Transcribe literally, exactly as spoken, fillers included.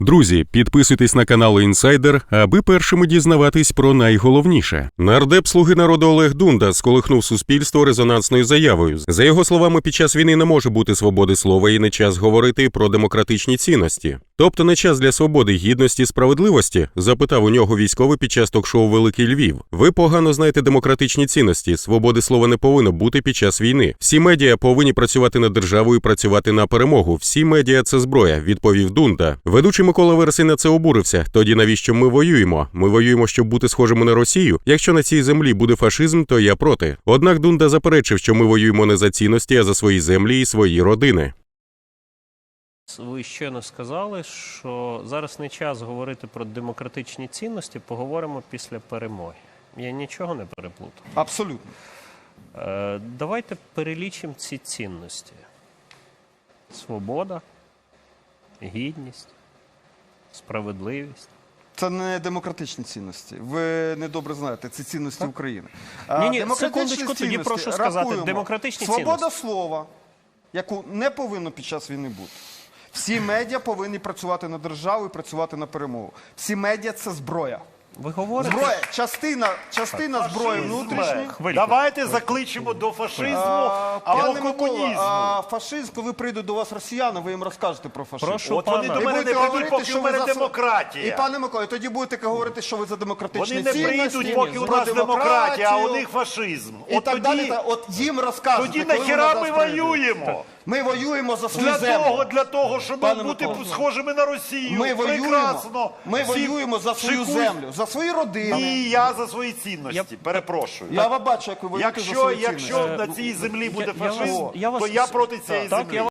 Друзі, підписуйтесь на канал Інсайдер, аби першими дізнаватись про найголовніше. Нардеп «Слуги народу» Олег Дунда сколихнув суспільство резонансною заявою. За його словами, під час війни не може бути свободи слова і не час говорити про демократичні цінності. Тобто не час для свободи, гідності, справедливості? Запитав у нього військовий під час ток-шоу «Великий Львів». Ви погано знаєте демократичні цінності. Свободи слова не повинно бути під час війни. Всі медіа повинні працювати на державу і працювати на перемогу. Всі медіа – це зброя, відповів Дунда. Ведучий Микола Вересий на це обурився. Тоді навіщо ми воюємо? Ми воюємо, щоб бути схожими на Росію? Якщо на цій землі буде фашизм, то я проти. Однак Дунда заперечив, що ми воюємо не за цінності, а за свої землі і свої родини. Ви щойно сказали, що зараз не час говорити про демократичні цінності, поговоримо після перемоги. Я нічого не переплутав. Абсолютно. Е, давайте перелічимо ці цінності. Свобода, гідність, справедливість. Це не демократичні цінності. Ви недобре знаєте, це цінності Так. України. Ні-ні, секундочку, тоді прошу сказати. Рахуємо. Демократичні Свобода цінності. слова, яку не повинно під час війни бути. Всі медіа повинні працювати на державу і працювати на перемогу. Всі медіа – це зброя. Ви говорите? Зброя, частина, частина зброї внутрішньої. Хвильку. Давайте закличемо до фашизму А, або Пане Микола, комунізму. а фашизм, коли прийдуть до вас росіяни, ви їм розкажете про фашизм. Прошу От вони пана. до І мене не будете прийдуть, говорити, поки що в ви мене за... демократія. І, пане Микола, тоді будете говорити, що ви за демократичні Вони не цінності, прийдуть, поки у про нас демократія, а у демократію. них фашизм. І От так далі, тоді, та- от їм розкажете, тоді коли нахіра вони ми до нас прийдуть. воюємо? Ми воюємо за свою Для землю. того, для того, щоб Пане бути Микола. схожими на Росію. Ми воюємо, Прекрасно. ми Всі воюємо за свою шикують. землю, за свої родини. І я за свої цінності. Я- Перепрошую. Я вас бачу, як ви воюєте за Якщо, свої якщо цінності. на цій землі буде я вас- фашизм, я вас- то я проти цієї Так, землі. я